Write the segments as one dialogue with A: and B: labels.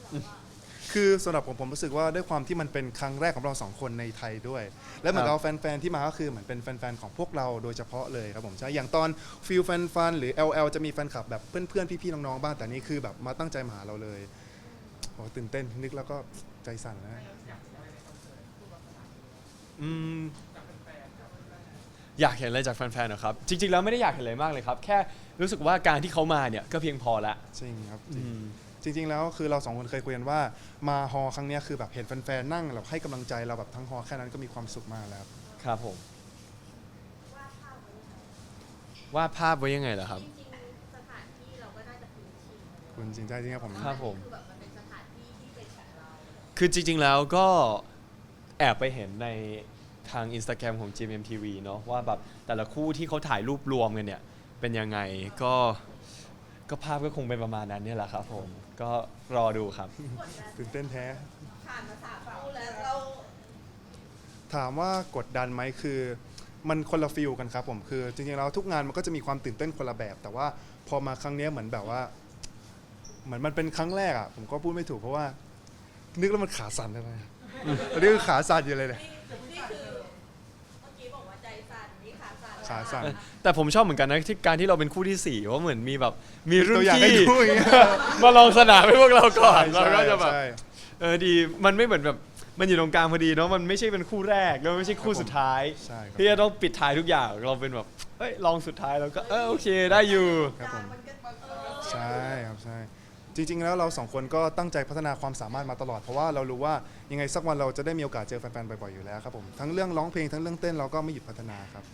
A: คือสำหรับผมรู้สึกว่าด้วยความที่มันเป็นครั้งแรกของเราสองคนในไทยด้วยและเหมือนกับแฟนๆที่มาก็คือเหมือนเป็นแฟนๆของพวกเราโดยเฉพาะเลยครับผมใช่อย่างตอนฟิลแฟนฟันหรือ LL จะมีแฟนคลับแบบเพื่อนๆพี่ๆน้องๆบ้างแต่นี่คือแบบมาตั้งใจมาหาเราเลยโอ้ตื่นเต้นนึกแล้วก็ใจสั่นนะ
B: อืมอยากเห็นอะไรจากแฟนๆเหรอครับจริงๆแล้วไม่ได้อยากเห็นอะไรมากเลยครับแค่รู้สึกว่าการที่เขามาเนี่ยก็เพียงพอละ
A: จริงครับ
B: อืม
A: จริงๆแล้วคือเราสองคนเคยคุยกันว่ามาฮอครั้งเนี้ยคือแบบเห็นแฟนๆนั่งเราให้กำลังใจเราแบบทั้งฮอแค่นั้นก็มีความสุขมากแล้ว
B: ครับผมวาดภาพไว้ยังไงเหรอครับ
C: จริงๆสถานที่เราก็น่าจะคุ้นชิน
A: คุณจริงใจจริงครับผม
B: ครับผม
C: คือแบบมันเป็นสถานที่ที่เป็นของเรา
B: คือจริงๆแล้วก็แอบไปเห็นในทาง Instagram ของ GMMTV เนาะว่าแบบแต่ละคู่ที่เขาถ่ายรูปรวมกันเนี่ยเป็นยังไงก็ภาพก็คงเป็นประมาณนั้นเนี่ยแหละครับผมก็รอดูครับ
A: ตื่นเต้นแท้
C: ผ่านมา3 คู่แล้วเรา
A: ถามว่ากดดันไหมคือมันคนละฟิลกันครับผมคือจริงๆแล้วทุกงานมันก็จะมีความตื่นเต้นคนละแบบ แต่ว่าพอมาครั้งเนี้ยเหมือนแบบว่าเหมือนมันเป็นครั้งแรกอ่ะผมก็พูดไม่ถูกเพราะว่านึกแล้วมันขาสั่นเลยตอนนี้คือขาสั่นอยู่เลยเนี่ย
C: นี่คือเมื่อกี้บอกว่าใจสั่นนี่ขาสั่น
A: ขาสั่น
B: แต่ผมชอบเหมือนกันนะที่การที่เราเป็นคู่ที่4ว่าเหมือนมีแบบมีรุ่
A: ตั
B: น
A: วอย่างให้
B: พี่
A: ดูอย่างเงี้ย
B: มาลองสนามให้พวกเราก่อนเรา
A: ใช่
B: ก็จะแบบ
A: ใช่
B: ดีมันไม่เหมือนแบบมันอยู่ตรงกลางพอดีเนาะมันไม่ใช่เป็นคู่แรกแล้วไม่ใช่คู่สุดท้าย
A: ใช่ครับ
B: ที่จะต้องปิดท้ายทุกอย่างเราเป็นแบบเฮ้ยลองสุดท้ายเราก็โอเคได้อยู่
A: ครับผม
C: มันก็
A: ใช่ครับใช่จริงๆแล้วเราสองคนก็ตั้งใจพัฒนาความสามารถมาตลอดเพราะว่าเรารู้ว่ายังไงสักวันเราจะได้มีโอกาสเจอแฟนๆบ่อยๆอยู่แล้วครับผมทั้งเรื่องร้องเพลงทั้งเรื่องเต้นเราก็ไม่หยุดพัฒนาครับ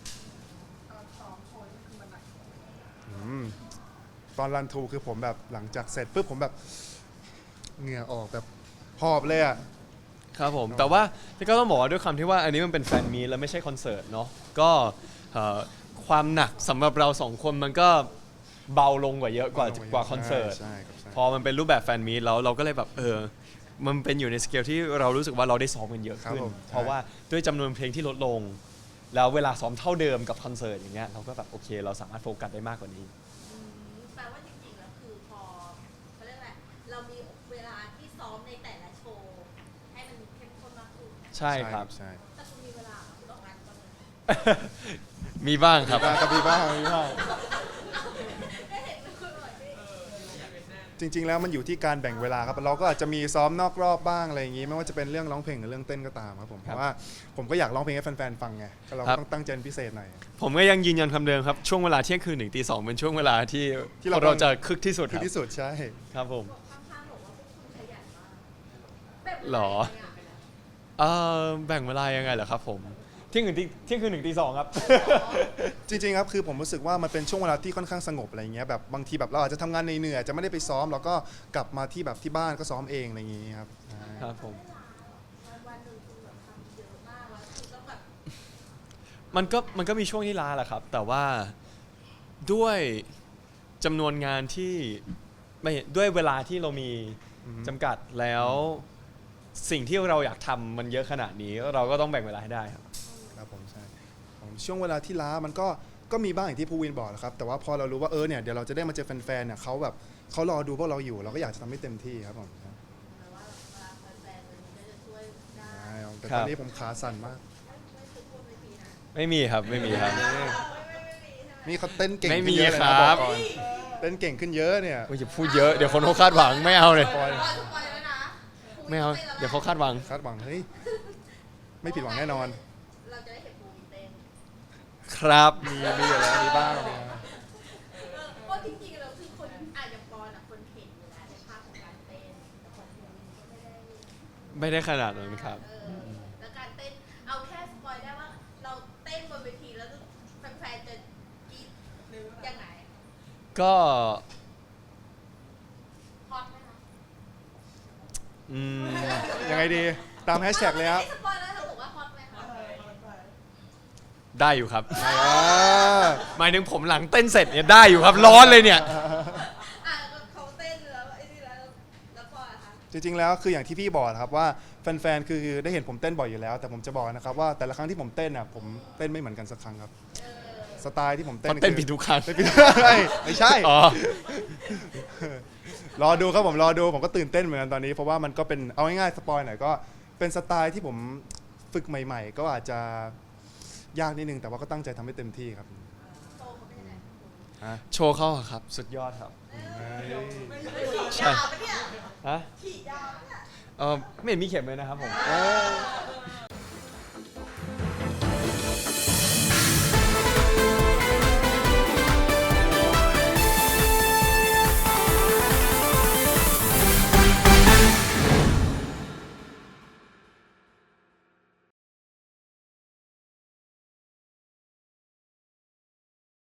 A: อืมตอนรันทูคือผมแบบหลังจากเสร็จปุ๊บผมแบบเหงื่อออกแบบหอบเลยอ่ะ
B: ครับผมแต่ว่าก็ต้องบอกว่าด้วยคำที่ว่าอันนี้มันเป็นแฟนมีตแล้วไม่ใช่คอนเสิร์ตเนาะก็ความหนักสำหรับเราสองคนมันก็เบาลงกว่าเยอะกว่าคอนเสิร์ต
A: ใช่ครับใช่
B: พอมันเป็นรูปแบบแฟนมีตแล้วเราก็เลยแบบมันเป็นอยู่ในสเกลที่เรารู้สึกว่าเราได้ซ้อมกันเยอะขึ้นเพราะว่าด้วยจำนวนเพลงที่ลดลง แล้วเวลาซ้อมเท่าเดิมกับคอนเสิร์ตอย่างเงี้ยเราก็แบบโอเคเราสามารถโฟกัสได้มากกว่านี้
C: แปลว่าจริงๆแล้วคือพอเขาเรียกอะไรเรามีเวลาที่ซ้อมในแต่ละโชว์ให้มันเข้มข้นมากขึ้น
B: ใช่ครับ
A: ใช่
C: แต่คุณมีเวลาคุณออกงานตอนนี้
B: มีบ้างครับ
A: มีบ้างมีบ้าง
C: ได้เห็นคุณบ่อยพี่
A: จริงๆแล้วมันอยู่ที่การแบ่งเวลาครับเราก็อาจจะมีซ้อมนอกรอบบ้างอะไรอย่างงี้ไม่ว่าจะเป็นเรื่องร้องเพลงหรือเรื่องเต้นก็ตามครับผมเพราะว่าผมก็อยากร้องเพลงให้แฟนๆฟังไงก็เราก็ต้องตั้งใจเป็นพิเศษหน่อย
B: ผมก็ยังยืนยันคำเดิมครับช่วงเวลาเที่ยงคืนถึงตี 2เป็นช่วงเวลาที่
A: ที่เรา
B: เราจะคึกที่สุดค
A: คือ
B: รับ
A: ที่สุดใช่
B: ครับผม
C: ข้างๆบอกว่าพวกคุณขยันมากแบบ
B: หรอ แบ่งเวลายังไงเหรอครับผมเที่ยงคืนถึงตี 2ครับ
A: จริงๆครับคือผมรู้สึกว่ามันเป็นช่วงเวลาที่ค่อนข้างสงบอะไรเงี้ยแบบบางทีแบบเราอาจจะทำงานเหนื่อยๆจะไม่ได้ไปซ้อมเราก็กลับมาที่แบบที่บ้านก็ซ้อมเองอะไรอย่างงี้ครับใช่
B: ครับผม
C: วันหนึ่งคุณแบบทำเยอะมากแล้วคุณต้องแบบ
B: มันก็มีช่วงที่ล้าแหละครับ แต่ว่าด้วยจำนวนงานที่ไม่ด้วยเวลาที่เรามีจำกัดแล้วสิ่งที่เราอยากทำมันเยอะขนาดนี้เราก็ต้องแบ่งเวลาให้ได้ครับ
A: ครับผมใช่ผมช่วงเวลาที่ล้ามันก็มีบ้างอย่างที่ภูวินบอกนะครับแต่ว่าพอเรารู้ว่าเนี่ยเดี๋ยวเราจะได้มาเจอแฟนๆเนี่ยเขาแบบเขารอดูพวกเราอยู่เราก็อยากจะทำให้เต็มที่ครับผม
C: แปลว่าเวลาแฟนๆเลยก็จะช่วยได้
A: ใช่แต่ตอนนี้ผมขาสั่นมาก
C: ไม่คือพูดไม่ดีนะ
B: ไม่มีครับไม่มีครับ
C: ไม่มีใช่ไหม
A: นี่เขาเต้นเก่ง
B: ไม่
A: ขึ้
B: มี
A: นเยอะเลย
B: ค
A: นะ
B: รับ
A: อกก่อนเต้นเก่งขึ้นเยอะเนี่ย
B: โอ้ยอย่าพูดเยอะเดี๋ยวคนเขาคาดหวังไม่เอาเลย
A: ปล่อย
C: สปอยแล้วนะ
B: ไม่เอาเดี๋ยวเขาคาดหวัง
A: คาดหวังเฮ้ยไม่ผิดหวังแน่นอน
C: เราจะได้เห็นภูมิเต้น
B: ครับ
A: มีอยู่แล้วมีบ้างมีบ้าง
C: เพราะจริงๆเราคือคนอาจจะปอนอ่ะคนเห็นอยู่แล้วในภาพของการเต้นแต่คนภูมิก็ไม่ได้
B: ไม่ได้ขนาดนั้นครับ
C: แล้วการเต้นเอาแค่สปอยได้ว่าเราเต้นบนเวทีแล้วแฟนๆจะกรี๊ดยังไง
B: ก็
C: ฮอตไหมคะ
B: อืม
A: ยังไงดีตามแฮชแท็กเลยครับ
C: ไม่สปอยแล้วเราบอกว่าฮอตไหมคะ
B: ได้อยู่ครับ
A: อ่า
B: หมายถึงผมหลังเต้นเสร็จเนี่ยได้อยู่ครับร้อนเลยเนี่ย
C: อ่ะเขาเต้นแล้วไอ้นี่แล้วปอยอะคะ
A: จริงๆแล้วคืออย่างที่พี่บอกนะครับว่าแฟนๆคือได้เห็นผมเต้นบ่อยอยู่แล้ว แต่ผมจะบอกนะครับว่าแต่ละครั้งที่ผมเต้นน่ะผมเต้นไม่เหมือนกันสักครั้งครับสไตล์ที่ผมเต้น
B: เพราะเต้นผิดทุกครั้ง
A: ไม่ใช่
B: อ๋อ
A: รอดูครับผมรอดูผมก็ตื่นเต้นเหมือนกันตอนนี้เพราะว่ามันก็เป็นเอาง่ายๆสปอยหน่อยก็เป็นสไตล์ที่ผมฝึกใหม่ ๆ ก็อาจจะยากนิดนึงแต่ว่าก็ตั้งใจทำให้เต็มที่ครับ
C: โชว์เขาเป็นยังไง
A: ฮะ
B: โชว์เขาอะครับ สุดยอดครับ
C: ฉีดยาวปะเนี่ย
B: ฮะ
C: ฉีดยาวปะเนี่ย
B: ไม่เห็นมีเข็มเลยนะครับผม
A: เออ